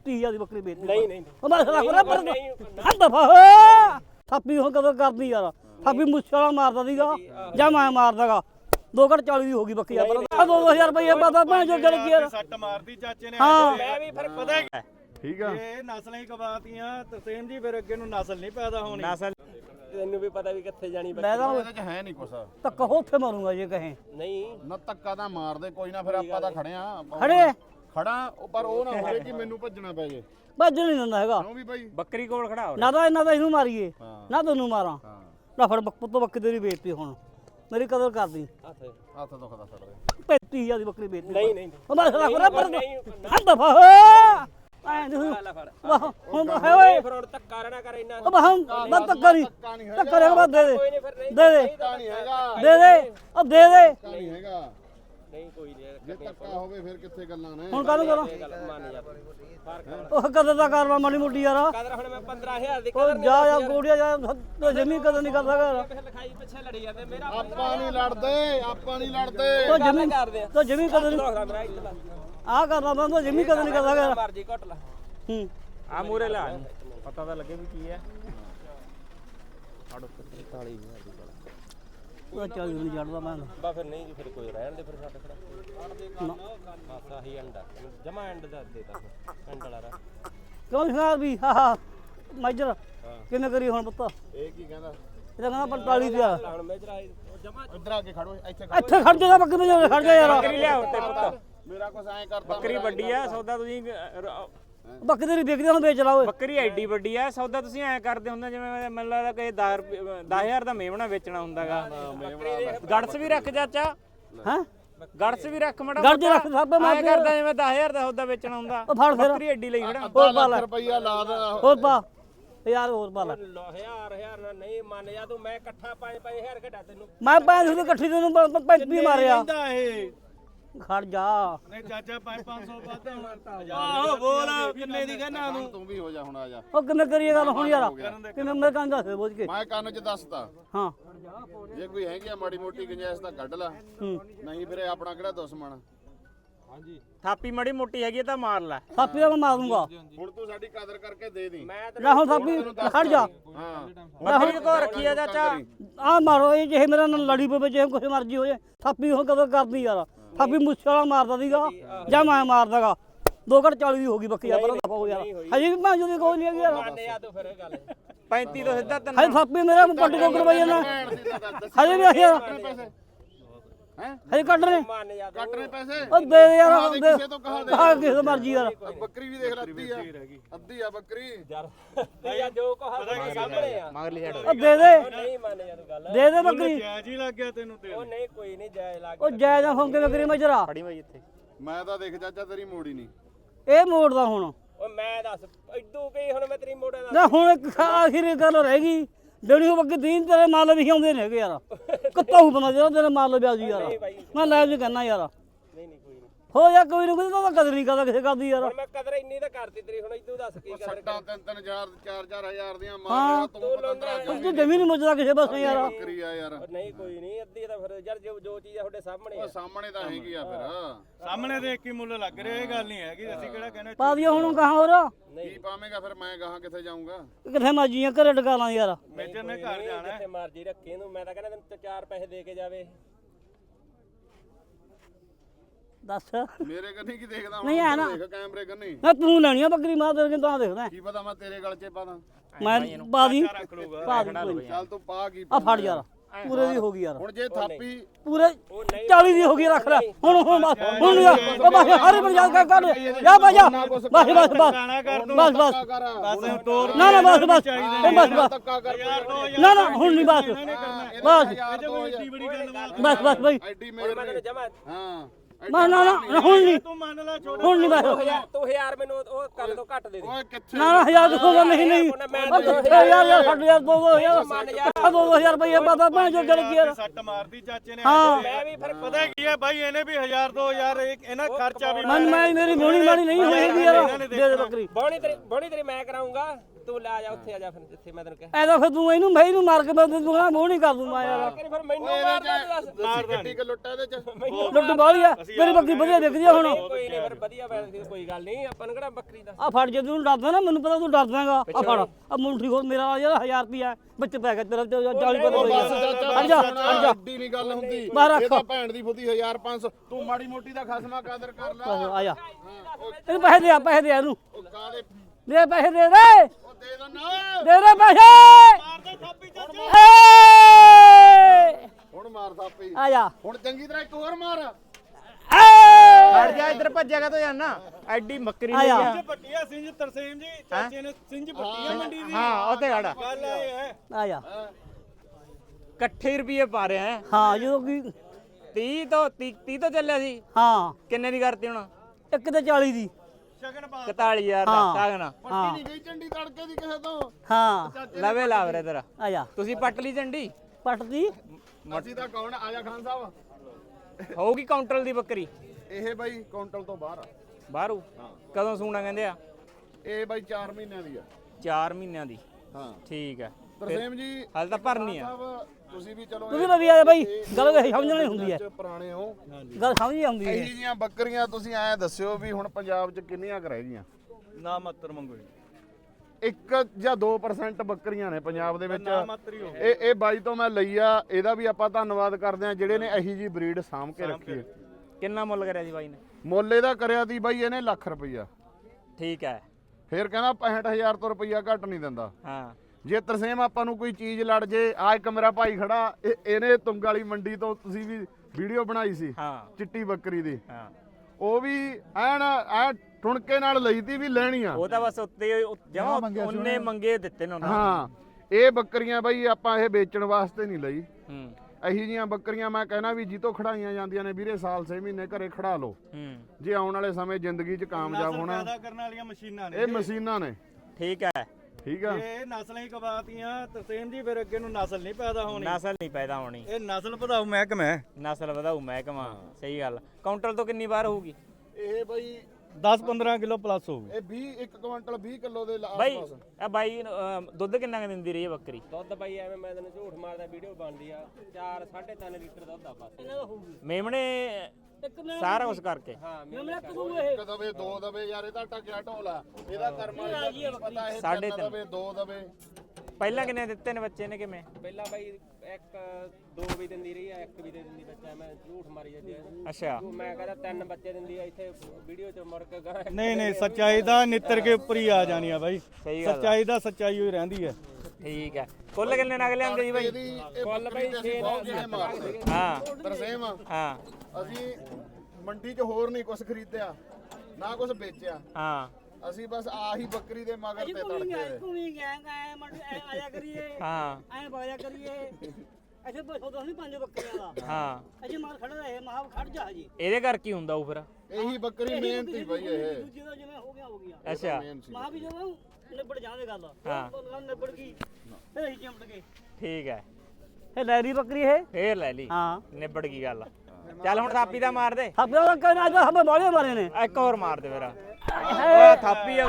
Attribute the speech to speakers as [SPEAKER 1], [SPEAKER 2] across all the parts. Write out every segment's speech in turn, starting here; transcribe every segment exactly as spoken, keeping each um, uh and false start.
[SPEAKER 1] ਪੈਂਤੀ ਹਜ਼ਾਰ ਦੀ ਬੱਕਰੀ ਵੇਚਦੀ
[SPEAKER 2] ਨਹੀਂ ਨਹੀਂ
[SPEAKER 1] ਉਹ ਮੈਂ ਰੱਖ ਪਰ ਦਫਾ ਹੋ ਥਾਪੀ ਹੁਣ ਕਦੋਂ ਕਰਦੀ ਯਾਰ ਥਾਪੀ ਮੁੱਛ ਵਾਲਾ ਮਾਰਦਾ ਸੀਗਾ ਜਾਂ ਮੈਂ ਮਾਰਦਾਗਾ ਦੋ ਘੜ ਚਾਲੀ ਦੀ ਹੋ ਗਈ ਬੱਕਰੀ ਯਾਰ ਦੋ ਹਜ਼ਾਰ ਰੁਪਏ ਪਤਾ ਭੈਣ ਜੋ ਗਲ ਕੀ ਯਾਰ
[SPEAKER 3] ਸੱਟ ਮਾਰਦੀ ਚਾਚੇ ਨੇ
[SPEAKER 2] ਮੈਂ ਵੀ ਫਿਰ ਪਤਾ ਹੈ
[SPEAKER 4] ਠੀਕ ਆ
[SPEAKER 3] ਇਹ ਨਸਲਾਂ ਹੀ ਕਬਾਤੀਆਂ ਤਰਸੇਮ ਜੀ ਫਿਰ ਅੱਗੇ ਨੂੰ ਨਸਲ ਨਹੀਂ ਪੈਦਾ ਹੋਣੀ
[SPEAKER 2] ਨਸਲ ਤੈਨੂੰ ਵੀ ਪਤਾ ਵੀ ਕਿੱਥੇ ਜਾਣੀ
[SPEAKER 1] ਲੈ ਦਾ
[SPEAKER 4] ਇਹਦੇ ਚ ਹੈ ਨਹੀਂ ਕੁਛ
[SPEAKER 1] ਧੱਕਾ ਉੱਥੇ ਮਾਰੂੰਗਾ ਜੇ ਕਹੇ
[SPEAKER 2] ਨਹੀਂ
[SPEAKER 4] ਨਾ ਧੱਕਾ ਤਾਂ ਮਾਰਦੇ ਕੋਈ ਨਾ ਫਿਰ ਆਪਾਂ ਤਾਂ ਖੜੇ ਆ
[SPEAKER 1] ਖੜੇ
[SPEAKER 4] ਖੜਾ ਉਹ ਪਰ ਉਹ ਨਾ ਹੋਵੇ ਕਿ ਮੈਨੂੰ ਭੱਜਣਾ ਪੈ ਜੇ
[SPEAKER 1] ਭੱਜ ਨਹੀਂ ਦਿੰਦਾ ਹੈਗਾ
[SPEAKER 4] ਕਿਉਂ ਵੀ ਬਾਈ
[SPEAKER 2] ਬੱਕਰੀ ਕੋਲ ਖੜਾ ਹੋ
[SPEAKER 1] ਨਾ ਤਾਂ ਇਹਨਾਂ ਦਾ ਇਹਨੂੰ ਮਾਰੀਏ
[SPEAKER 4] ਹਾਂ।
[SPEAKER 1] ਨਾ ਤੈਨੂੰ ਮਾਰਾਂ
[SPEAKER 4] ਹਾਂ
[SPEAKER 1] ਨਾ ਫੜ ਪੁੱਤੋ ਬੱਕਰੀ ਤੇਰੀ ਵੇਚਤੀ ਹੁਣ ਮੇਰੀ ਕਦਰ ਕਰਦੀ
[SPEAKER 2] ਹੱਥ
[SPEAKER 4] ਹੱਥ ਦੁਖਦਾ ਛੱਡ
[SPEAKER 1] ਪੈਂਤੀ ਹਜ਼ਾਰ ਦੀ ਬੱਕਰੀ ਵੇਚਤੀ
[SPEAKER 2] ਨਹੀਂ ਨਹੀਂ
[SPEAKER 1] ਉਹ ਮੈਂ ਰੱਖ ਪਰ
[SPEAKER 2] ਨਹੀਂ
[SPEAKER 1] ਦਫਾ ਹੋ ਐਂ ਦੇਖੋ
[SPEAKER 2] ਲੈ ਫੜ
[SPEAKER 1] ਵਾਹ ਹੁਣ ਹੈ ਓਏ
[SPEAKER 2] ਫਿਰ ਹੁਣ ਧੱਕਾ ਰਹਿਣਾ ਕਰ ਇੰਨਾ
[SPEAKER 1] ਉਹ ਬਾਹਮ ਨਾ ਧੱਕਾ ਨਹੀਂ ਧੱਕਾ ਰਹਿ ਬਾਦ ਦੇ ਦੇ
[SPEAKER 2] ਕੋਈ ਨਹੀਂ ਫਿਰ ਨਹੀਂ
[SPEAKER 1] ਦੇ ਦੇ
[SPEAKER 4] ਧੱਕਾ ਨਹੀਂ ਹੈਗਾ
[SPEAKER 1] ਦੇ ਦੇ ਉਹ ਦੇ ਦੇ
[SPEAKER 4] ਧੱਕਾ ਨਹੀਂ ਹੈਗਾ
[SPEAKER 2] ਨਹੀਂ ਕੋਈ ਨਹੀਂ
[SPEAKER 4] ਜੇ ਧੱਕਾ ਹੋਵੇ ਫਿਰ ਕਿੱਥੇ ਗੱਲਾਂ ਨੇ
[SPEAKER 1] ਹੁਣ ਕਾਹਨੂੰ ਕਰਾਂ
[SPEAKER 2] ਇਹ ਗੱਲ ਮੰਨ ਜਾ ਫਰਕ
[SPEAKER 1] ਉਹ ਕਦਰ ਦਾ ਕਾਰਵਾ ਮਾੜੀ ਮੋਟੀ ਯਾਰ
[SPEAKER 2] ਕਦਰ ਹੁਣ ਮੈਂ ਪੰਦਰਾਂ ਹਜ਼ਾਰ ਦੀ
[SPEAKER 1] ਉਹ ਜਾ ਜਾ ਗੋੜੀਆ ਜਾ ਜਮੀ ਕਦਰ ਨਹੀਂ ਕਰਦਾ ਯਾਰ
[SPEAKER 2] ਫਿਰ ਲਿਖਾਈ ਪਿੱਛੇ ਲੜੀ ਜਾਂਦੇ ਮੇਰਾ
[SPEAKER 4] ਆਪਾਂ ਨਹੀਂ ਲੜਦੇ ਆਪਾਂ ਨਹੀਂ ਲੜਦੇ
[SPEAKER 1] ਉਹ ਜਮੀ
[SPEAKER 2] ਕਰਦੇ ਆ
[SPEAKER 1] ਤੋ ਜਮੀ ਕਦਰ ਨਹੀਂ
[SPEAKER 2] ਦੋਖਦਾ ਮੇਰਾ ਇੱਥੇ
[SPEAKER 1] ਆ ਕਰਦਾ ਮੈਂ ਤਾਂ ਜਮੀ ਕਦਰ ਨਹੀਂ ਕਰਦਾ ਯਾਰ
[SPEAKER 2] ਮਰਜੀ ਘਟ ਲਾ
[SPEAKER 1] ਹੂੰ
[SPEAKER 2] ਆ ਮੂਰੇ ਲਾ ਪਤਾ ਤਾਂ ਲੱਗੇ ਵੀ ਕੀ ਹੈ ਅੜਤਾਲੀ ਹਜ਼ਾਰ ਦੀ
[SPEAKER 1] ਉਹ ਚਾਲੀ ਨਹੀਂ ਜੜਦਾ ਮੈਂ
[SPEAKER 2] ਬਾ ਫਿਰ ਨਹੀਂ ਜੀ ਫਿਰ ਕੋਈ ਰਹਿਣ ਦੇ ਫਿਰ ਛੱਡ ਖੜਾ ਬਸ ਆਹੀ ਅੰਡਾ ਜਮਾ ਐਂਡ ਦਾ ਦੇਤਾ ਐਂਡ ਵਾਲਾ ਰਾ
[SPEAKER 1] ਕਿਉਂ ਸ਼ਿਕਾਰ ਵੀ ਹਾ ਹਾ ਮਾਜਰ ਕਿਵੇਂ ਕਰੀ ਹੁਣ ਪੁੱਤ
[SPEAKER 4] ਇਹ ਕੀ ਕਹਿੰਦਾ
[SPEAKER 1] ਇਹਦਾ ਕਹਿੰਦਾ ਪੰਤਾਲੀ ਦੀ ਆ
[SPEAKER 2] ਹੁਣ ਮੇਜਰਾ ਜਮਾ
[SPEAKER 4] ਇੱਧਰ ਆ ਕੇ ਖੜੋ ਇੱਥੇ
[SPEAKER 1] ਇੱਥੇ ਖੜ ਜਾ ਬੱਕਰੀ ਮੇਰੇ ਖੜ ਜਾ ਯਾਰ
[SPEAKER 2] ਬੱਕਰੀ ਲਿਆਓ ਤੇ ਪੁੱਤ
[SPEAKER 4] ਮੇਰਾ ਕੁਛ ਐਂ ਕਰਦਾ
[SPEAKER 2] ਬੱਕਰੀ ਵੱਡੀ ਆ ਸੌਦਾ ਤੁਸੀਂ
[SPEAKER 1] ਬੱਕਰੀ ਤੇਰੀ ਵਿਕਦੀ ਹੁਣ ਵੇਚ ਲਾ ਓਏ
[SPEAKER 2] ਬੱਕਰੀ ਐਡੀ ਵੱਡੀ ਆ ਸੌਦਾ ਤੁਸੀਂ ਐ ਕਰਦੇ ਹੁੰਦੇ ਜਿਵੇਂ ਮੈਨੂੰ ਲੱਗਦਾ ਕਿ ਦਸ ਹਜ਼ਾਰ ਦਾ ਮੇਵਣਾ ਵੇਚਣਾ ਹੁੰਦਾਗਾ ਗੜਸ ਵੀ ਰੱਖ ਚਾਚਾ
[SPEAKER 1] ਹੈ
[SPEAKER 2] ਗੜਸ ਵੀ ਰੱਖ ਮੜਾ
[SPEAKER 1] ਗੜ ਜੇ ਰੱਖ ਸਾਬੇ
[SPEAKER 2] ਮੈਂ ਕਰਦਾ ਜਿਵੇਂ ਦਸ ਹਜ਼ਾਰ ਦਾ ਸੌਦਾ ਵੇਚਣਾ ਹੁੰਦਾ
[SPEAKER 1] ਉਹ ਫੜ ਫਿਰ
[SPEAKER 2] ਬੱਕਰੀ ਐਡੀ ਲਈ ਖੜਾ
[SPEAKER 4] ਹੋਰ ਲੱਖ ਰੁਪਈਆ ਲਾ ਦੇ
[SPEAKER 1] ਹੋਰ ਪਾ ਯਾਰ ਹੋਰ ਪਾ ਲੈ
[SPEAKER 2] ਹਜ਼ਾਰ ਹਜ਼ਾਰ ਨਾਲ ਨਹੀਂ ਮੰਨ ਜਾ ਤੂੰ ਮੈਂ ਇਕੱਠਾ ਪੰਜ ਪੰਜ ਹਜ਼ਾਰ ਘਟਾ ਤੈਨੂੰ
[SPEAKER 1] ਮੈਂ ਪੈਸੇ ਨੂੰ ਇਕੱਠੀ ਤੈਨੂੰ ਪੈਂਤੀ ਮਾਰਿਆ
[SPEAKER 3] ਕਹਿੰਦਾ ਇਹ
[SPEAKER 1] ਖੜ ਜਾ
[SPEAKER 3] ਨਹੀਂ ਚਾਚਾ ਪੰਜ ਪੰਜ ਸੌ ਵੱਧ ਆਹੋ ਬੋਲ ਕਿੰਨੇ ਦੀ ਕਹਿੰਦਾ ਤੂੰ
[SPEAKER 4] ਤੂੰ ਵੀ ਹੋ ਜਾ ਹੁਣ ਆ ਜਾ
[SPEAKER 1] ਉਹ ਕਿਵੇਂ ਕਰੀਏ ਗੱਲ ਹੁਣ ਯਾਰ ਕਿਵੇਂ ਮੇਰੇ ਕੰਨ ਦੱਸ ਬੋਝ ਕੇ
[SPEAKER 4] ਮੈਂ ਕੰਨ 'ਚ ਦੱਸਦਾ
[SPEAKER 1] ਹਾਂ
[SPEAKER 4] ਜੇ ਕੋਈ ਹੈਗੀ ਆ ਮਾੜੀ ਮੋਟੀ ਗੁੰਜਾਇਸ਼ ਤਾਂ ਕੱਢ ਲੈ
[SPEAKER 1] ਹੂੰ
[SPEAKER 4] ਨਹੀਂ ਵੀਰੇ ਆਪਣਾ ਕਿਹੜਾ ਦੁਸ਼ਮਣ
[SPEAKER 2] ਹਾਂਜੀ ਥਾਪੀ ਮੜੀ ਮੋਟੀ ਹੈਗੀ ਤਾਂ ਮਾਰ ਲੈ
[SPEAKER 1] ਸਾਪੀ ਦਾ ਮੈਂ ਮਾਰ ਦੂੰਗਾ
[SPEAKER 4] ਹੁਣ ਤੂੰ ਸਾਡੀ ਕਦਰ ਕਰਕੇ ਦੇ ਦੀ
[SPEAKER 2] ਮੈਂ
[SPEAKER 1] ਲੈ ਹੁਣ ਸਾਪੀ ਖੜ ਜਾ
[SPEAKER 4] ਹਾਂ
[SPEAKER 2] ਬੱਕਰੀ ਕੋ ਰੱਖੀ ਆ ਚਾਚਾ
[SPEAKER 1] ਆ ਮਾਰੋ ਇਹ ਜਿਹੇ ਮੇਰੇ ਨਾਲ ਲੜੀ ਪਵੇ ਜੇ ਕੁਛ ਮਰਜੀ ਹੋ ਜਾਏ ਥਾਪੀ ਹੁਣ ਕਦੋਂ ਕਰਦੀ ਯਾਰ ਥਾਪੀ ਮੁੱਛ ਵਾਲਾ ਮਾਰਦਾ ਸੀਗਾ ਜਾਂ ਮੈਂ ਮਾਰਦਾਗਾ ਦੋ ਘੜ ਚਾਲੀ ਦੀ ਹੋ ਗਈ ਬੱਕਰੀ ਆ ਪਰ ਦਫਾ ਹੋ ਯਾਰ ਹਜੇ ਵੀ ਮੈਂ ਜਦੋਂ ਕੋਈ ਨਹੀਂ ਹੈਗੀ ਯਾਰ
[SPEAKER 2] ਮੰਨ ਜਾ ਤੂੰ ਫਿਰ ਗੱਲ ਪੈਂਤੀ ਤੋਂ ਸਿੱਧਾ ਤਿੰਨ
[SPEAKER 1] ਹਜੇ ਥਾਪੀ ਮੇਰਾ ਪੱਟ ਕੋ ਕਰਵਾਈ ਜਾਂਦਾ ਹਜੇ ਵੀ ਆਖਿਆ
[SPEAKER 4] ਪੈਸੇ ਹੈ
[SPEAKER 1] ਹਜੇ ਕੱਢ ਰਹੇ
[SPEAKER 2] ਮੰਨ ਜਾ ਤੂੰ
[SPEAKER 4] ਕੱਟਣੇ ਪੈਸੇ
[SPEAKER 1] ਉਹ ਦੇ ਦੇ ਯਾਰ
[SPEAKER 4] ਕਹਾ ਦੇ
[SPEAKER 1] ਦੇ
[SPEAKER 4] ਕਿਸੇ ਤੋਂ ਕਹਾ ਦੇ
[SPEAKER 1] ਕਹਾ ਕਿਸੇ ਮਰਜੀ ਯਾਰ
[SPEAKER 4] ਬੱਕਰੀ ਵੀ ਦੇਖ ਲੈ ਅੱਧੀ ਆ ਅੱਧੀ ਆ ਬੱਕਰੀ
[SPEAKER 2] ਯਾਰ ਯਾ ਜੋ ਕਹਾ ਸਾਹਮਣੇ ਆ
[SPEAKER 4] ਮਗਰਲੀ ਛੱਡ
[SPEAKER 1] ਉਹ ਦੇ ਦੇ
[SPEAKER 2] ਨਹੀਂ ਮੰਨ ਜਾ ਤੂੰ ਗੱਲ
[SPEAKER 1] ਦੇ ਦੇ ਬੱਕਰੀ
[SPEAKER 3] ਜਾਇਜ਼ ਹੀ ਲੱਗ ਗਿਆ ਤੈਨੂੰ ਤੇ
[SPEAKER 2] ਉਹ ਨਹੀਂ ਕੋਈ ਨਹੀਂ ਜਾਇ ਲੱਗ
[SPEAKER 1] ਉਹ ਜਾਇਜ਼ ਹੁਣ ਕਿਵੇਂ ਕਰੀ ਮੈਂ ਜਰਾ
[SPEAKER 2] ਫੜੀ ਬਾਈ ਇੱਥੇ
[SPEAKER 4] ਮੈਂ ਤਾਂ ਦੇਖ ਚਾਚਾ ਤੇਰੀ ਮੋੜੀ ਨਹੀਂ
[SPEAKER 1] ਇਹ ਮੋੜਦਾ ਹੁਣ
[SPEAKER 2] ਓ ਮੈਂ ਦੱਸ ਇਦੋਂ ਕਈ ਹੁਣ ਮੈਂ ਤੇਰੀ ਮੋੜਾ ਦਾ
[SPEAKER 1] ਨਾ ਹੁਣ ਇੱਕ ਆਖਰੀ ਗੱਲ ਰਹਿ ਗਈ ਜਿਹੜੀ ਉਹ ਬੱਕੀ ਦੀਨ ਤੇਰੇ ਮਾਲ ਵੀ ਆਉਂਦੇ ਨੇ ਹੈਗੇ ਯਾਰ ਕੁੱਤਾ ਹੂ ਬਣਾ ਜਿਹੜਾ ਤੇਰੇ ਮਾਲ ਵਿਆਜੀ ਯਾਰ ਮੈਂ ਲੈ ਜੀ ਕਹਿੰਦਾ ਯਾਰ
[SPEAKER 2] ਨਹੀਂ ਨਹੀਂ ਕੋਈ ਨਹੀਂ
[SPEAKER 1] ਹੋ ਜਾ ਕੋਈ ਨਾ ਕੋਈ ਤਾਂ ਕਦਰ ਨਹੀਂ ਕਰਦਾ ਕਿਸੇ ਕਰਦੀ ਯਾਰ
[SPEAKER 2] ਹੁਣ ਮੈਂ ਕਦਰ ਇੰਨੀ ਤਾਂ ਕਰਤੀ ਤੇਰੀ ਹੁਣ ਇਦੋਂ ਦੱਸ ਕੀ ਕਦਰ
[SPEAKER 4] ਸੱਟਾਂ ਤਿੰਨ ਤਿੰਨ ਹਜ਼ਾਰ ਚਾਰ ਚਾਰ ਹਜ਼ਾਰ ਦੀਆਂ ਮਾਰ ਤੂੰ ਪੰਦਰਾਂ
[SPEAKER 1] ਤੂੰ ਜਮੀ ਨਹੀਂ ਮੁੱਝਦਾ ਕਿਸੇ ਪਾਸੇ ਯਾਰ
[SPEAKER 4] ਬੱਕਰੀ ਆ ਯਾਰ
[SPEAKER 2] ਨਹੀਂ ਕੋਈ ਨਹੀਂ ਅੱਧੀ ਤਾਂ ਫਿਰ ਯਾਰ ਜੋ ਜੋ ਚੀਜ਼ ਆ ਤੁਹਾਡੇ ਸਾਹਮਣੇ
[SPEAKER 4] ਉਹ
[SPEAKER 2] ਆ
[SPEAKER 4] ਸਾਹਮਣੇ ਤਾਂ ਹੈਗੀ ਆ ਫਿਰ
[SPEAKER 3] ਸਾਹਮਣੇ ਦੇਖ ਕੇ ਮੁੱਲ ਲੱਗ ਰਿਹਾ ਇਹ ਗੱਲ ਨਹੀਂ ਹੈਗੀ ਅਸੀਂ ਕਿਹੜਾ ਕਹਿੰਦੇ
[SPEAKER 1] ਪਾ ਦਿਓ ਹੁਣ ਕਹਾਂ ਹੋਰ
[SPEAKER 4] ਕੀ ਪਾਵੇਂਗਾ ਫਿਰ ਮੈਂ ਗਾਹਾਂ ਕਿੱਥੇ ਜਾਊਂਗਾ
[SPEAKER 1] ਕਿੱਥੇ ਮਾਜੀਆਂ ਘਰੇ ਟਕਾ ਲਾਂ ਯਾਰ
[SPEAKER 3] ਮੇਜਰ ਨੇ ਘਰ ਜਾਣਾ
[SPEAKER 2] ਜਿੱਥੇ ਮਰਜੀ ਰੱਖੀ ਇਹਨੂੰ ਮੈਂ ਤਾਂ ਕਹਿੰਦਾ ਤੈਨੂੰ ਚਾਰ ਪੈਸੇ ਦੇ ਕੇ ਜਾਵੇ
[SPEAKER 1] ਦੱਸ
[SPEAKER 4] ਮੇਰੇ ਕੰਨੀ ਕੀ ਦੇਖਦਾ
[SPEAKER 1] ਨਹੀਂ ਆ ਨਾ।
[SPEAKER 4] ਦੇਖ ਕੈਮਰੇ ਕੰਨੀ
[SPEAKER 1] ਨਾ ਤੂੰ ਲੈਣੀ ਆ ਬੱਕਰੀ ਮਾਂ ਤੇਰੇ ਤਾਂ ਦੇਖਦਾ
[SPEAKER 4] ਕੀ ਪਤਾ ਮੈਂ ਤੇਰੇ ਗਲ 'ਚ ਪਾਦਾ
[SPEAKER 1] ਮੈਂ ਪਾ ਦੀ
[SPEAKER 3] ਰੱਖ ਲੂਗਾ
[SPEAKER 1] ਪਾ ਦੀ ਕੋਈ ਨੀ।
[SPEAKER 4] ਚੱਲ ਤੂੰ ਪਾ ਕੀ
[SPEAKER 1] ਆ ਫੜ ਯਾਰ ਪੂਰੇ ਦੀ ਹੋ ਗਈ ਯਾਰ
[SPEAKER 4] ਹੁਣ ਜੇ ਥਾਪੀ
[SPEAKER 1] ਪੂਰੇ ਚਾਲੀ ਦੀ ਹੋ ਗਈ ਰੱਖ ਲੈ ਹੁਣ ਹੁਣ ਬਸ ਹੁਣ ਨਹੀਂ ਉਹ ਬਸ ਹਰੀ ਬਣ ਜਾ ਕਰ ਜਾ ਬਾਜਾ ਬਸ ਬਸ ਬਸ
[SPEAKER 3] ਗਾਣਾ ਕਰ ਤੂੰ
[SPEAKER 1] ਬਸ ਬਸ
[SPEAKER 3] ਬਸ ਤੋਰ
[SPEAKER 1] ਨਾ ਨਾ ਬਸ ਬਸ ਹੁਣ ਬਸ ਬਸ
[SPEAKER 4] ਧੱਕਾ ਕਰ
[SPEAKER 1] ਨਾ ਨਾ ਹੁਣ ਨਹੀਂ ਬਸ ਬਸ
[SPEAKER 3] ਏਡੀ ਬੜੀ ਗੱਲ ਵਾ
[SPEAKER 1] ਬਸ ਬਸ ਬਈ
[SPEAKER 4] ਐਡੀ ਮੇਰ
[SPEAKER 2] ਮੈਂ ਤੈਨੂੰ ਜਮਾ
[SPEAKER 4] ਹਾਂ
[SPEAKER 1] ਨਾ ਨਾ ਨਾ ਹੁਣ ਨਹੀਂ
[SPEAKER 3] ਤੂੰ ਮੰਨ ਲੈ ਛੋੜ
[SPEAKER 1] ਹੁਣ ਨਹੀਂ ਬਸ
[SPEAKER 2] ਤੂੰ ਹਜ਼ਾਰ ਮੈਨੂੰ ਉਹ ਕੱਲ ਤੋਂ ਘੱਟ ਦੇ ਦੇ
[SPEAKER 4] ਓਏ ਕਿੱਥੇ
[SPEAKER 1] ਨਾ ਨਾ ਹਜ਼ਾਰ ਦੱਸੋ ਨਹੀਂ ਨਹੀਂ ਉਹ ਕਿੱਥੇ ਯਾਰ ਯਾਰ ਛੱਡ ਯਾਰ ਦੋ ਦੋ ਹਜ਼ਾਰ ਇਕੱਠਾ ਦੋ ਦੋ ਹਜ਼ਾਰ ਰੁਪਏ ਪਤਾ ਭੈਣ ਜੋ ਗਲ ਕੀ ਯਾਰ
[SPEAKER 3] ਸੱਟ ਮਾਰਦੀ ਚਾਚੇ ਨੇ
[SPEAKER 1] ਹਾਂ
[SPEAKER 2] ਮੈਂ ਵੀ ਫਿਰ
[SPEAKER 3] ਪਤਾ ਕੀ ਹੈ ਬਾਈ ਇਹਨੇ ਵੀ ਹਜ਼ਾਰ ਦੋ ਹਜ਼ਾਰ ਇਹਨਾਂ ਖਰਚਾ ਵੀ
[SPEAKER 1] ਮਨ ਮੈਂ ਮੇਰੀ ਮੋਣੀ ਮਾਣੀ ਨਹੀਂ ਹੋਏਗੀ ਯਾਰ ਦੇ ਦੇ ਬੱਕਰੀ
[SPEAKER 2] ਬੋਣੀ ਤੇਰੀ ਬੋਣੀ ਤੇਰੀ ਮੈਂ ਕਰਾਉਂਗਾ
[SPEAKER 5] ਤੂੰ ਲੈ ਜਾ ਉੱਥੇ ਆ ਜਾ ਫਿਰ ਜਿੱਥੇ ਮੈਂ ਤੈਨੂੰ ਕਿਹਾ
[SPEAKER 1] ਐਦਾ ਫਿਰ ਤੂੰ ਇਹਨੂੰ ਮੈਂ ਇਹਨੂੰ ਮਾਰ ਕੇ ਮੈਂ ਤੈਨੂੰ ਕਹਾਂ ਮੋਹ ਨਹੀਂ ਕਰ ਦੂੰ ਮੈਂ ਯਾਰ
[SPEAKER 5] ਫਿਰ ਮੈਨੂੰ ਮਾਰਦਾ ਤੂੰ ਦੱਸ
[SPEAKER 4] ਗੱਡੀ ਕਿ ਲੁੱਟਾ ਇਹਦੇ ਚ
[SPEAKER 1] ਲੁੱਟ ਬਾਹਲੀ ਆ ਮੇਰੀ ਬੱਕਰੀ ਵਧੀਆ ਵਿਕਦੀ ਆ ਹੁਣ
[SPEAKER 5] ਕੋਈ ਨਹੀਂ ਫਿਰ ਵਧੀਆ ਬੈਠ ਕੋਈ ਗੱਲ ਨਹੀਂ ਆਪਾਂ ਨੂੰ ਕਿਹੜਾ ਬੱਕਰੀ ਦਾ
[SPEAKER 1] ਆ ਫੜ ਜੇ ਤੂੰ ਡਰਦਾ ਨਾ ਮੈਨੂੰ ਪਤਾ ਤੂੰ ਡਰਦਾਗਾ ਆ ਫੜ ਆ ਮੁੰਠੀ ਖੋਲ ਮੇਰਾ ਯਾਰ ਹਜ਼ਾਰ ਰੁਪਿਆ ਵਿੱਚ ਪੈ ਗਿਆ ਤੇਰਾ ਚਾਲੀ ਰੁਪਏ
[SPEAKER 4] ਬਸ
[SPEAKER 1] ਹਟ
[SPEAKER 4] ਚਾਚਾ
[SPEAKER 1] ਜਾ ਹਟ ਜਾ
[SPEAKER 4] ਗੱਡੀ ਨਹੀਂ ਗੱਲ ਹੁੰਦੀ
[SPEAKER 1] ਬਾਹਰ ਰੱਖ।
[SPEAKER 4] ਇਹ ਤਾਂ ਭੈਣ ਦੀ ਫੁੱਦੀ ਹਜ਼ਾਰ ਪੰਜ ਸੌ ਤੂੰ ਮਾੜੀ ਮੋਟੀ ਦਾ ਖਸਮਾ ਕਾਦਰ ਕਰ ਲਾ
[SPEAKER 1] ਆ ਜਾ ਇਹਨੂੰ ਪੈਸੇ ਦੇ ਆ ਪੈਸੇ ਦੇ ਆ ਇਹਨੂੰ
[SPEAKER 4] ਉਹ ਕਾਦੇ
[SPEAKER 1] ਦੇ ਪੈਸੇ ਦੇ ਦੇ
[SPEAKER 4] ਉਹ ਦੇ ਦੋ ਨਾ
[SPEAKER 1] ਦੇ ਦੇ ਪੈਸੇ ਏ!
[SPEAKER 4] ਹੁਣ ਮਾਰ ਥਾਪੀ
[SPEAKER 1] ਆ ਜਾ
[SPEAKER 4] ਹੁਣ ਚੰਗੀ ਤਰ੍ਹਾਂ ਇੱਕ ਹੋਰ ਮਾਰ
[SPEAKER 1] ਏ!
[SPEAKER 2] ਖੜ ਜਾ ਇੱਧਰ ਭੱਜੇਗਾ ਤੋ ਜਾਨਾ ਐਡੀ ਬੱਕਰੀ
[SPEAKER 1] ਆ
[SPEAKER 2] ਲਈ
[SPEAKER 1] ਜਾ।
[SPEAKER 2] ਆ
[SPEAKER 3] ਪੱਟੀਆਂ ਸਿੰਘ ਤਰਸੇਮ ਜੀ ਚਾਚੇ ਨੇ ਸਿੰਘ ਪੱਟੀਆਂ ਮੰਡੀ ਦੀ
[SPEAKER 2] ਹਾਂ ਉੱਥੇ ਖੜਾ
[SPEAKER 3] ਗੱਲ ਇਹ ਹੈ
[SPEAKER 1] ਆ ਜਾ
[SPEAKER 2] ਇਕੱਠੇ ਰੁਪਏ ਪਾ ਰਿਹਾ ਹੈ
[SPEAKER 1] ਹਾਂ ਜਦੋਂ ਕੀ
[SPEAKER 2] ਤੀਹ ਤੋਂ ਤੀਹ ਤੋਂ ਚੱਲਿਆ ਸੀ
[SPEAKER 1] ਹਾਂ
[SPEAKER 2] ਕਿੰਨੇ ਦੀ ਕਰਤੀ ਹੁਣ
[SPEAKER 1] ਇੱਕ ਤੇ ਚਾਲੀ ਦੀ
[SPEAKER 3] ਸ਼ਗਨ ਪਾ
[SPEAKER 2] ਇਕਤਾਲੀ ਹਜ਼ਾਰ ਦਾ
[SPEAKER 1] ਹਾਂ।
[SPEAKER 2] ਸਾਗਣਾ
[SPEAKER 1] ਹਾਂ
[SPEAKER 4] ਨਹੀਂ ਗਈ ਚੰਡੀ ਤੜਕੇ ਦੀ ਕਿਸੇ ਤੋਂ
[SPEAKER 1] ਹਾਂ
[SPEAKER 2] ਲਵੇ ਲਾ ਵੀਰੇ ਤੇਰਾ
[SPEAKER 1] ਆ ਜਾ
[SPEAKER 2] ਤੁਸੀਂ ਪੱਟ ਲਈ ਝੰਡੀ
[SPEAKER 1] ਪੱਟਦੀ
[SPEAKER 4] ਅਸੀਂ ਤਾਂ ਕੌਣ ਆਜਾ ਖਾਨ ਸਾਹਿਬ
[SPEAKER 2] ਹੋਊਗੀ ਕਾਊਂਟਰ ਦੀ ਬੱਕਰੀ
[SPEAKER 4] ਇਹ ਬਾਈ ਕਾਉਂਟਲ ਤੋਂ ਬਾਹਰ ਆ
[SPEAKER 2] ਬਾਹਰੂ ਕਦੋਂ ਸੂਣਾ ਕਹਿੰਦੇ ਆ
[SPEAKER 4] ਇਹ ਬਾਈ ਚਾਰ ਮਹੀਨਿਆਂ ਦੀ ਆ
[SPEAKER 2] ਚਾਰ ਮਹੀਨਿਆਂ ਦੀ
[SPEAKER 4] ਹਾਂ
[SPEAKER 2] ਠੀਕ ਹੈ
[SPEAKER 4] ਤਰਸੇਮ ਜੀ
[SPEAKER 2] ਹਾਲ ਤਾਂ ਭਰਨੀ ਆ
[SPEAKER 4] ਸਾਹਿਬ ਤੁਸੀਂ ਵੀ ਚਲੋ
[SPEAKER 1] ਤੁਸੀਂ ਵੀ ਆ ਬਾਈ ਗੱਲ ਇਹ ਸਮਝਣੀ ਹੁੰਦੀ ਹੈ
[SPEAKER 4] ਚ ਪੁਰਾਣੇ ਹੋ
[SPEAKER 1] ਗੱਲ ਸਮਝ ਆਉਂਦੀ ਹੈ
[SPEAKER 4] ਇਹੀ ਜੀਆਂ ਬੱਕਰੀਆਂ ਤੁਸੀਂ ਐ ਦੱਸਿਓ ਵੀ ਹੁਣ ਪੰਜਾਬ 'ਚ ਕਿੰਨੀਆਂ ਕੁ ਰਹਿ ਗਈਆਂ
[SPEAKER 3] ਨਾ ਮੱਤਰ ਮੰਗੋ ਜੀ
[SPEAKER 4] ਇੱਕ ਜਾਂ ਦੋ ਪਰਸੈਂਟ ਬੱਕਰੀਆਂ ਨੇ ਪੰਜਾਬ ਦੇ ਵਿੱਚ
[SPEAKER 3] ਨਾ ਮਾਤਰੀ ਹੋ
[SPEAKER 4] ਇਹ ਇਹ ਬਾਈ ਤੋਂ ਮੈਂ ਲਈ ਆ ਇਹਦਾ ਵੀ ਆਪਾਂ ਧੰਨਵਾਦ ਕਰਦੇ ਆ ਜਿਹੜੇ ਨੇ ਇਹੀ ਜੀ ਬਰੀਡ ਸਾਂਭ ਕੇ ਰੱਖੀ ਹੈ
[SPEAKER 2] ਕਿੰਨਾ ਮੁੱਲ ਕਰਿਆ ਜੀ ਬਾਈ ਨੇ
[SPEAKER 4] ਮੁੱਲ ਇਹਦਾ ਕਰਿਆ ਦੀ ਬਾਈ ਇਹਨੇ ਲੱਖ ਰੁਪਈਆ
[SPEAKER 2] ਠੀਕ ਹੈ
[SPEAKER 4] ਫੇਰ ਕਹਿੰਦਾ ਪੈਂਹਠ ਹਜ਼ਾਰ ਤੋਂ ਰੁਪਈਆ ਘੱਟ ਨਹੀਂ ਦਿੰਦਾ
[SPEAKER 2] ਹਾਂ
[SPEAKER 4] ਜੇ ਤਰਸੇਮ ਆਪਾਂ ਨੂੰ ਕੋਈ ਚੀਜ਼ ਲੜ ਜੇ ਆ ਇੱਕ ਮੇਰਾ ਭਾਈ ਖੜਾ ਇਹ- ਇਹਨੇ ਤੁੰਗ ਵਾਲੀ ਮੰਡੀ ਤੋਂ ਤੁਸੀਂ ਵੀ ਵੀਡੀਓ ਬਣਾਈ ਸੀ
[SPEAKER 2] ਹਾਂ
[SPEAKER 4] ਚਿੱਟੀ ਬੱਕਰੀ ਦੀ
[SPEAKER 2] ਹਾਂ
[SPEAKER 4] ਉਹ ਵੀ ਐਨ ਐ ਟੁਣਕੇ ਨਾਲ ਲਈ ਤੀ ਵੀ ਲੈਣੀ ਆ
[SPEAKER 2] ਉਹ ਤਾਂ ਬਸ ਉੱਤੇ ਜਮਾ ਉਹਨੇ ਮੰਗੇ ਦਿੱਤੇ ਨੇ ਉਹਨਾਂ
[SPEAKER 4] ਹਾਂ ਇਹ ਬੱਕਰੀਆਂ ਬਾਈ ਆਪਾਂ ਇਹ ਵੇਚਣ ਵਾਸਤੇ ਨਹੀਂ ਲਈ
[SPEAKER 2] ਹੂੰ
[SPEAKER 4] ਇਹੀ ਜੀਆਂ ਬੱਕਰੀਆਂ ਮੈਂ ਕਹਿਣਾ ਵੀ ਜਿੱਤੋਂ ਖੜਾਈਆਂ ਜਾਂਦੀਆਂ ਨੇ ਵੀਰੇ ਸਾਲ ਛੇ ਮਹੀਨੇ ਘਰੇ ਖੜਾ ਲਓ
[SPEAKER 2] ਹੂੰ
[SPEAKER 4] ਜੇ ਆਉਣ ਵਾਲੇ ਸਮੇਂ ਜ਼ਿੰਦਗੀ 'ਚ ਕਾਮਯਾਬ ਹੋਣਾ
[SPEAKER 3] ਪੈਦਾ ਕਰਨ ਵਾਲੀਆਂ ਮਸ਼ੀਨਾਂ ਨੇ
[SPEAKER 4] ਇਹ ਮਸ਼ੀਨਾਂ ਨੇ
[SPEAKER 2] ਠੀਕ ਹੈ
[SPEAKER 4] ਠੀਕ ਆ
[SPEAKER 3] ਇਹ ਨਸਲਾਂ ਹੀ ਕਬਾਤੀਆਂ ਤਰਸੇਮ ਜੀ ਫਿਰ ਅੱਗੇ ਨੂੰ ਨਸਲ ਨਹੀਂ ਪੈਦਾ ਹੋਣੀ
[SPEAKER 2] ਨਸਲ ਨਹੀਂ ਪੈਦਾ ਹੋਣੀ
[SPEAKER 3] ਇਹ ਨਸਲ ਵਧਾਉ ਮਹਿਕਮਾ ਹੈ
[SPEAKER 2] ਨਸਲ ਵਧਾਊ ਮਹਿਕਮਾ ਸਹੀ ਗੱਲ ਕਾਊਂਟਰ ਤੋਂ ਕਿੰਨੀ ਵਾਰ ਹੋਊਗੀ
[SPEAKER 4] ਇਹ ਬਾਈ
[SPEAKER 3] ਦਸ ਪੰਦਰਾਂ ਕਿਲੋ ਪਲੱਸ ਹੋਊ
[SPEAKER 4] ਇਹ ਵੀਹ ਇੱਕ ਕੁਇੰਟਲ ਵੀਹ ਕਿਲੋ ਦੇ
[SPEAKER 2] ਬਾਈ
[SPEAKER 4] ਆਸ-ਪਾਸ
[SPEAKER 2] ਇਹ ਬਾਈ ਅਹ, ਦੁੱਧ ਕਿੰਨਾ ਕੁ ਦਿੰਦੀ ਰਹੀ ਹੈ ਬੱਕਰੀ
[SPEAKER 5] ਦੁੱਧ ਬਾਈ ਐਵੇਂ ਮੈਂ ਤੈਨੂੰ ਝੂਠ ਮਾਰਦਾ ਵੀਡੀਓ ਬਣਦੀ ਆ ਚਾਰ ਸਾਢੇ ਤਿੰਨ ਲੀਟਰ ਦੁੱਧ ਆ ਬਸ
[SPEAKER 2] ਮੇਮਣੇ ਸਾਰਾ ਕੁਝ ਕਰਕੇ
[SPEAKER 5] ਹਾਂ
[SPEAKER 1] ਮੈਂ ਕਦੋਂ ਇਹ
[SPEAKER 4] ਇੱਕ ਦਵੇ ਦੋ ਦਵੇ ਯਾਰ ਇਹਦਾ ਟਕਿਆ ਢੋਲਾ ਇਹਦਾ ਕਰਮ ਵਾਲੀ ਦਾ ਪਤਾ ਇਹ
[SPEAKER 2] ਸਾਢੇ
[SPEAKER 4] ਤਿੰਨ
[SPEAKER 2] ਤਿੰਨ।
[SPEAKER 4] ਦਵੇ ਦੋ ਦਵੇ
[SPEAKER 2] ਪਹਿਲਾਂ ਕਿੰਨੇ ਦਿੱਤੇ ਨੇ ਬੱਚੇ ਨੇ ਕਿਵੇਂ
[SPEAKER 5] ਪਹਿਲਾਂ ਬਾਈ ਇੱਕ ਦੋ ਵੀ ਦਿੰਦੀ ਰਹੀ ਆ ਇੱਕ ਵੀ ਦੇ ਦਿੰਦੀ ਬੱਚਾ ਮੈਂ ਝੂਠ ਮਾਰੀ ਜਾਂਦੀ ਆ
[SPEAKER 2] ਅੱਛਾ
[SPEAKER 5] ਮੈਂ ਕਹਿੰਦਾ ਤਿੰਨ ਬੱਚੇ ਦਿੰਦੀ ਆ ਇੱਥੇ ਵੀਡੀਓ 'ਚ ਮੁੜ ਕੇ ਗਾਂ
[SPEAKER 3] ਨਹੀਂ ਨਹੀਂ ਸੱਚਾਈ ਦਾ ਨਿੱਤਰ ਕੇ ਉੱਪਰ ਹੀ ਆ ਜਾਣੀ ਆ ਬਾਈ
[SPEAKER 2] ਸਹੀ ਗੱਲ ਆ।
[SPEAKER 3] ਸੱਚਾਈ ਦਾ ਸੱਚਾਈ ਹੋਈ ਰਹਿੰਦੀ ਹੈ
[SPEAKER 2] ਠੀਕ ਹੈ ਕੁੱਲ ਕਿੰਨੇ ਨਗ ਲਿਆਂਦੇ ਜੀ ਬਾਈ
[SPEAKER 4] ਇਹਦੀ ਇਹ ਬੱਕਰੀ ਤੇ ਅਸੀਂ ਬਹੁਤ ਜਿਹੇ ਮਾਰਦੇ
[SPEAKER 2] ਹਾਂ
[SPEAKER 4] ਤਰਸੇਮ
[SPEAKER 2] ਹਾਂ
[SPEAKER 4] ਅਸੀਂ ਮੰਡੀ 'ਚ ਹੋਰ ਨਹੀਂ ਕੁਝ ਖਰੀਦਿਆ ਨਾ ਕੁਝ ਵੇਚਿਆ
[SPEAKER 2] ਹਾਂ
[SPEAKER 4] ਅਸੀਂ ਬਸ ਆਹੀ ਬੱਕਰੀ ਦੇ ਮਗਰ ਤੇ
[SPEAKER 1] ਤੂੰ
[SPEAKER 4] ਤੜਕੇ
[SPEAKER 1] ਨਹੀਂ ਤੂੰ ਨਹੀਂ ਗਿਆ ਐ ਮੰਡ ਆਇਆ ਕਰੀਏ
[SPEAKER 2] ਹਾਂ
[SPEAKER 1] ਐ ਬਾਇਆ ਕਰੀਏ ਅੱਛਾ ਬਸੋ ਨਹੀਂ ਪੰਜ ਬੱਕਰੀਆਂ ਦਾ
[SPEAKER 2] ਹਾਂ
[SPEAKER 1] ਅਜੇ ਮਾਰ ਖੜਾ ਰਹੇ ਮਾਂ ਖੜ ਜਾ ਜੀ
[SPEAKER 2] ਇਹਦੇ ਕਰ ਕੀ ਹੁੰਦਾ ਉਹ ਫਿਰ
[SPEAKER 4] ਇਹੀ ਬੱਕਰੀ ਮਿਹਨਤੀ ਬਈ ਇਹ
[SPEAKER 1] ਦੂਜੀ ਦਾ ਜਿਵੇਂ ਹੋ ਗਿਆ ਹੋ ਗਿਆ
[SPEAKER 2] ਅੱਛਾ
[SPEAKER 4] ਮੇਨ ਸੀ
[SPEAKER 1] ਮਾਂ ਵੀ ਜਦੋਂ ਨਿਬੜ ਜਾਵੇ ਗੱਲ
[SPEAKER 2] ਹਾਂ।
[SPEAKER 1] ਗੱਲ ਨਿਬੜ ਗਈ ਫਿਰ ਅਸੀਂ ਚਿਮਟ ਗਏ
[SPEAKER 2] ਠੀਕ ਹੈ
[SPEAKER 1] ਇਹ ਲੈਰੀ ਬੱਕਰੀ ਇਹ
[SPEAKER 2] ਫੇਰ ਲੈ ਲਈ
[SPEAKER 1] ਹਾਂ
[SPEAKER 2] ਨਿਬੜ ਗਈ ਗੱਲ ਚੱਲ ਹੁਣ ਥਾਪੀ ਦਾ ਮਾਰ ਦੇ
[SPEAKER 1] ਹੱਬੇ ਦਾ ਕਹਿੰਦਾ ਅੱਜ ਹੱਬੇ ਬਾਲੇ ਮਾਰੇ ਨੇ
[SPEAKER 2] ਇੱਕ ਹੋਰ ਮਾਰ ਦੇ ਮੇਰਾ ਓਏ ਥਾਪੀ ਆ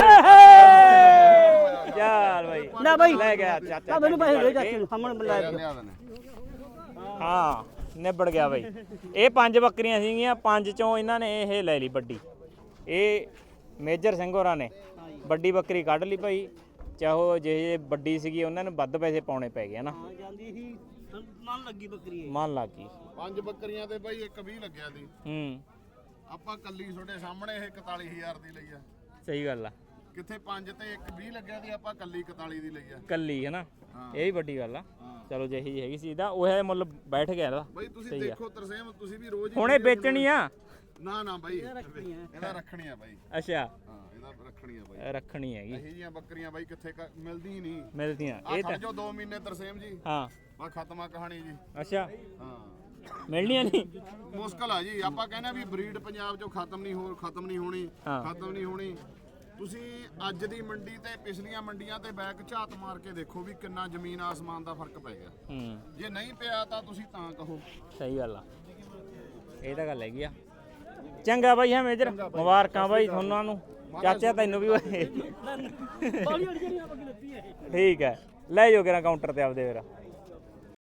[SPEAKER 2] ਬਈ ਚੱਲ ਬਈ
[SPEAKER 1] ਨਾ ਬਈ
[SPEAKER 2] ਲੈ ਗਿਆ ਚਾਚਾ
[SPEAKER 1] ਆ ਮੈਨੂੰ ਪੈਸੇ ਦੇ ਚਾਚੇ ਨੂੰ ਸਾਹਮਣੇ ਬੁਲਾ ਕੇ
[SPEAKER 4] ਲਿਆ ਦੇਣੇ
[SPEAKER 2] ਹਾਂ ਨਿਬੜ ਗਿਆ ਬਈ ਇਹ ਪੰਜ ਬੱਕਰੀਆਂ ਸੀਗੀਆਂ ਪੰਜ ਚੋਂ ਇਹਨਾਂ ਨੇ ਇਹ ਲੈ ਲਈ ਵੱਡੀ ਇਹ ਮੇਜਰ ਸਿੰਘ ਹੋਰਾਂ ਨੇ ਵੱਡੀ ਬੱਕਰੀ ਕੱਢ ਲਈ ਭਾਈ ਚਾਹੋ ਜੇ ਵੱਡੀ ਸੀਗੀ ਉਹਨਾਂ ਨੂੰ ਵੱਧ ਪੈਸੇ ਪਾਉਣੇ ਪੈ ਗਏ ਨਾ
[SPEAKER 1] ਹਾਂ ਜਾਂਦੀ ਸੀ ਮਨ ਲੱਗੀ ਬੱਕਰੀ ਇਹ
[SPEAKER 2] ਮਨ ਲੱਗ ਗਈ
[SPEAKER 4] ਪੰਜ ਬੱਕਰੀਆਂ ਤੇ ਬਈ ਇੱਕ ਵੀਹ ਲੱਗਿਆ ਸੀ
[SPEAKER 2] ਹੂੰ
[SPEAKER 4] ਆਪਾਂ ਕੱਲੀ ਤੁਹਾਡੇ ਸਾਹਮਣੇ ਇਹ ਇਕਤਾਲੀ ਹਜ਼ਾਰ ਦੀ ਲਈ ਆ
[SPEAKER 2] ਸਹੀ ਗੱਲ ਆ
[SPEAKER 4] ਕਿੱਥੇ ਪੰਜ ਤੇ ਇੱਕ ਵੀਹ ਲੱਗਿਆ ਸੀ ਆਪਾਂ ਕੱਲੀ ਇਕਤਾਲੀ ਦੀ ਲਈ ਆ
[SPEAKER 2] ਕੱਲੀ ਹੈ ਨਾ
[SPEAKER 4] ਹਾਂ।
[SPEAKER 2] ਇਹ ਵੀ ਵੱਡੀ ਗੱਲ ਆ
[SPEAKER 4] ਹਾਂ।
[SPEAKER 2] ਚਲੋ ਜਿਹੀ ਜਿਹੀ ਹੈਗੀ ਸੀ ਇਹਦਾ ਉਹ ਹੈ ਮੁੱਲ ਬੈਠ ਗਿਆ ਇਹਦਾ
[SPEAKER 4] ਬਈ ਤੁਸੀਂ
[SPEAKER 2] ਸਹੀ ਆ।
[SPEAKER 4] ਦੇਖੋ ਤਰਸੇਮ ਤੁਸੀਂ ਵੀ ਰੋਜ਼ ਹੀ
[SPEAKER 2] ਹੁਣ ਇਹ
[SPEAKER 4] video
[SPEAKER 2] ਵੇਚਣੀ ਆ
[SPEAKER 4] ਨਾ ਨਾ ਬਾਈ
[SPEAKER 1] ਰੱਖਣੀ ਆ
[SPEAKER 4] ਇਹਦਾ ਰੱਖਣੀ ਆ ਬਾਈ
[SPEAKER 2] ਅੱਛਾ
[SPEAKER 4] ਹਾਂ ਇਹਦਾ ਰੱਖਣੀ ਆ ਬਾਈ
[SPEAKER 2] ਰੱਖਣੀ ਹੈਗੀ
[SPEAKER 4] ਇਹੀ ਜੀਆਂ ਬੱਕਰੀਆਂ ਬਾਈ ਕਿੱਥੇ ਕ- ਮਿਲਦੀ ਹੀ ਨਹੀਂ
[SPEAKER 2] ਮਿਲਦੀਆਂ
[SPEAKER 4] ਆ
[SPEAKER 2] ਇਹ
[SPEAKER 4] ਖੜ
[SPEAKER 2] ਤਾਂ
[SPEAKER 4] ਜਾਓ ਦੋ ਮਹੀਨੇ ਤਰਸੇਮ ਜੀ
[SPEAKER 2] ਹਾਂ
[SPEAKER 4] ਬਾ ਖਤਮ ਆ ਕਹਾਣੀ ਜੀ
[SPEAKER 2] ਅੱਛਾ
[SPEAKER 4] ਹਾਂ
[SPEAKER 2] ਮਿਲਣੀਆਂ ਨਹੀਂ
[SPEAKER 4] ਮੁਸ਼ਕਲ ਆ ਜੀ ਆਪਾਂ ਕਹਿੰਦੇ ਆ ਵੀ ਬਰੀਡ ਪੰਜਾਬ ਚੋਂ ਖਤਮ ਨਹੀਂ ਹੋ ਖਤਮ ਨਹੀਂ ਹੋਣੀ
[SPEAKER 2] ਹਾਂ।
[SPEAKER 4] ਖਤਮ ਨਹੀਂ ਹੋਣੀ ਤੁਸੀਂ ਅੱਜ ਦੀ ਮੰਡੀ ਤੇ ਪਿਛਲੀਆਂ ਮੰਡੀਆਂ ਤੇ ਬੈਕ ਝਾਤ ਮਾਰ ਕੇ ਦੇਖੋ ਵੀ ਕਿੰਨਾ ਜ਼ਮੀਨ ਆਸਮਾਨ ਦਾ ਫਰਕ ਪੈ ਗਿਆ
[SPEAKER 2] ਹੂੰ
[SPEAKER 4] ਜੇ ਨਹੀਂ ਪਿਆ ਤਾਂ ਤੁਸੀਂ ਤਾਂ ਕਹੋ
[SPEAKER 2] ਸਹੀ ਗੱਲ ਆ ਇਹ ਤਾਂ ਗੱਲ ਹੈਗੀ ਆ ਚੰਗਾ ਬਾਈ ਹਾਂ ਮੇਜਰ ਮੁਬਾਰਕਾਂ ਬਾਈ ਤੁਹਾਨੂੰ ਨੂੰ ਚਾਚਾ ਤੈਨੂੰ ਵੀ ਓਏ
[SPEAKER 1] ਬਾਲੀ ਅੜੀ ਜਿਹੜੀ ਬੱਕਰੀ ਲੱਤੀ ਹੈ
[SPEAKER 2] ਠੀਕ ਹੈ ਲੈ ਜਾਓ ਕਿਰਾ ਕਾਊਂਟਰ ਤੇ ਆਪਦੇ ਫਿਰ